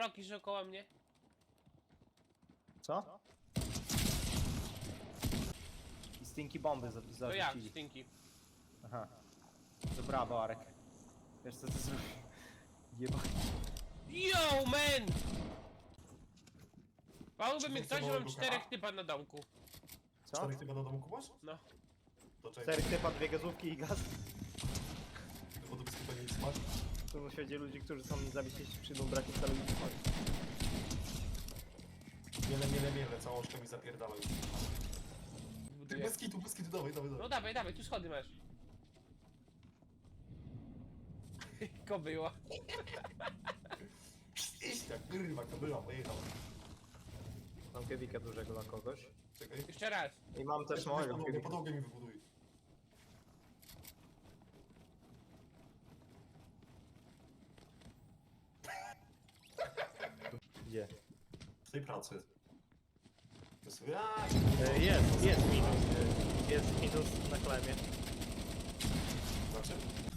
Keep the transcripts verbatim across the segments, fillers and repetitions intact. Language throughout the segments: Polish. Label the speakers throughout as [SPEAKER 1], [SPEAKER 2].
[SPEAKER 1] pałki, że około mnie.
[SPEAKER 2] Co? I stinky bomby za-
[SPEAKER 1] To jak,
[SPEAKER 2] zarzucili.
[SPEAKER 1] stinki.
[SPEAKER 2] Aha. To brawo, Arek. Wiesz co ty zrobił? Jeba.
[SPEAKER 1] Yo, man! Pałby mi
[SPEAKER 3] Czy
[SPEAKER 1] ktoś, że mam
[SPEAKER 3] małego
[SPEAKER 1] czterech
[SPEAKER 3] kara?
[SPEAKER 1] typa na domku.
[SPEAKER 2] Co?
[SPEAKER 3] Czterech typa do domu kupasz?
[SPEAKER 1] No.
[SPEAKER 3] To czekaj,
[SPEAKER 2] Cztery typa, dwie gazówki i gaz.
[SPEAKER 3] bo to bez chyba nic spać.
[SPEAKER 2] Tu na świecie ludzi, którzy są niezawiśli, przyjdą brakiem wcale nie spać.
[SPEAKER 3] Miele, miele, miele, całą oczkę mi zapierdalaj. Ty
[SPEAKER 1] Buduję.
[SPEAKER 3] bez kitu, bez kitu, dawaj, dawaj,
[SPEAKER 1] No
[SPEAKER 3] dawaj.
[SPEAKER 1] dawaj, dawaj, tu schody masz. Ko było.
[SPEAKER 3] Iść tak, kurwa, to była, pojechała.
[SPEAKER 2] Mam kiewika dużego dla kogoś.
[SPEAKER 3] Czekaj.
[SPEAKER 1] Jeszcze raz.
[SPEAKER 2] I mam też
[SPEAKER 3] Jeszcze
[SPEAKER 2] małego
[SPEAKER 3] podłogę,
[SPEAKER 2] kiewika.
[SPEAKER 3] podłogę mi wybuduj.
[SPEAKER 2] Gdzie?
[SPEAKER 3] W tej pracy. To sobie, aaa,
[SPEAKER 2] E, Jest, jest minus. e, Jest minus na klemie.
[SPEAKER 3] znaczy?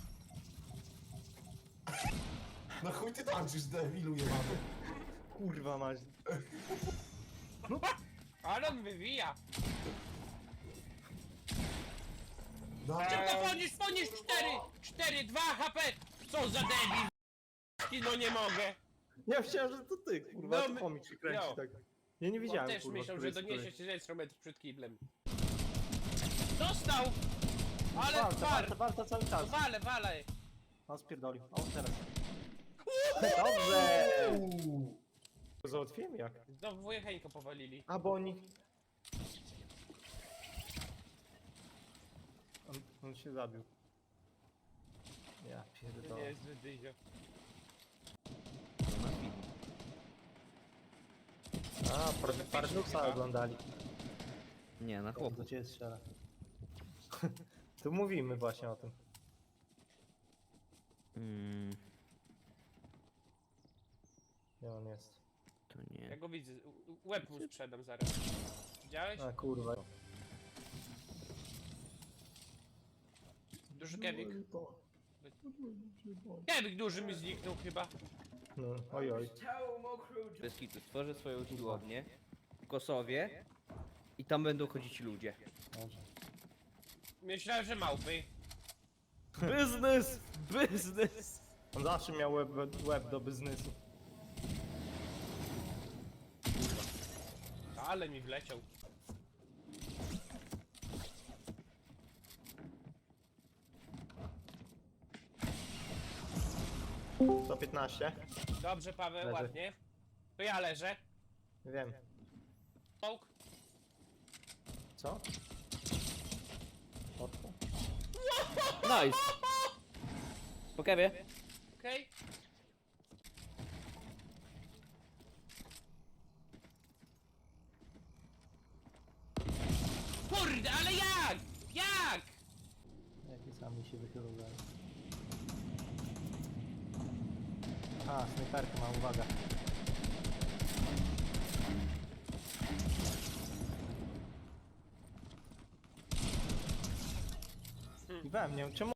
[SPEAKER 3] No chuj ty tańczysz, debilu jebany.
[SPEAKER 2] Kurwa mać.
[SPEAKER 1] Ale on wywija.
[SPEAKER 3] Dawaj.
[SPEAKER 1] Szybko podnieś, podnieś cztery! cztery, dwa H P! Co za debil! No nie mogę.
[SPEAKER 2] Ja myślałem, że to ty, kurwa,
[SPEAKER 1] No,
[SPEAKER 2] to
[SPEAKER 1] my-
[SPEAKER 2] pomik się kręci
[SPEAKER 1] jo.
[SPEAKER 2] tak. Ja nie
[SPEAKER 1] On
[SPEAKER 2] widziałem,
[SPEAKER 1] też
[SPEAKER 2] kurwa,
[SPEAKER 1] myślał,
[SPEAKER 2] który
[SPEAKER 1] że
[SPEAKER 2] jest
[SPEAKER 1] doniesie
[SPEAKER 2] który.
[SPEAKER 1] się ze sto metrów przed kiblem. Dostał! Ale
[SPEAKER 2] Walta, walta,
[SPEAKER 1] twar!
[SPEAKER 2] walta cały czas.
[SPEAKER 1] Wale, wale!
[SPEAKER 2] On spierdolił. O, teraz. Dobrze!
[SPEAKER 3] Uuu.
[SPEAKER 2] Załatwiłem jak?
[SPEAKER 1] Znowu wujecheńko powalili.
[SPEAKER 2] A, bo oni... On, on się zabił. Ja
[SPEAKER 1] To nie
[SPEAKER 2] pierdolę.
[SPEAKER 1] jest zbyt dyzio.
[SPEAKER 2] A, par- Parnuxa oglądali.
[SPEAKER 4] Nie, na
[SPEAKER 2] Do
[SPEAKER 4] chłopu.
[SPEAKER 2] ciebie strzela. Tu mówimy właśnie o tym.
[SPEAKER 4] Mm,
[SPEAKER 2] Gdzie on jest?
[SPEAKER 4] to
[SPEAKER 1] Ja
[SPEAKER 4] nie.
[SPEAKER 1] go widzę. U- u- Łeb mu sprzedam zaraz. Widziałeś?
[SPEAKER 2] A kurwa.
[SPEAKER 1] Duży kewik. Kewik duży mi zniknął chyba.
[SPEAKER 2] No, oj oj.
[SPEAKER 4] Bez kitu. Stworzę swoją siłownię w Kosowie i tam będą chodzić ludzie.
[SPEAKER 1] Myślałem, że małpy.
[SPEAKER 4] Biznes! Biznes!
[SPEAKER 2] On zawsze miał łeb, łeb do biznesu.
[SPEAKER 1] Ale mi wleciał.
[SPEAKER 2] sto piętnaście?
[SPEAKER 1] Dobrze, Paweł,
[SPEAKER 2] Leży.
[SPEAKER 1] ładnie. To ja leżę.
[SPEAKER 2] Wiem.
[SPEAKER 1] Połk.
[SPEAKER 2] Co? Otwo?
[SPEAKER 4] Nice! Po kewie?
[SPEAKER 1] Okej. Kurde, ale jak? Jak?
[SPEAKER 2] Jakie sami się wychylą dalej. A, snajperka ma, uwaga. I we mnie, czemu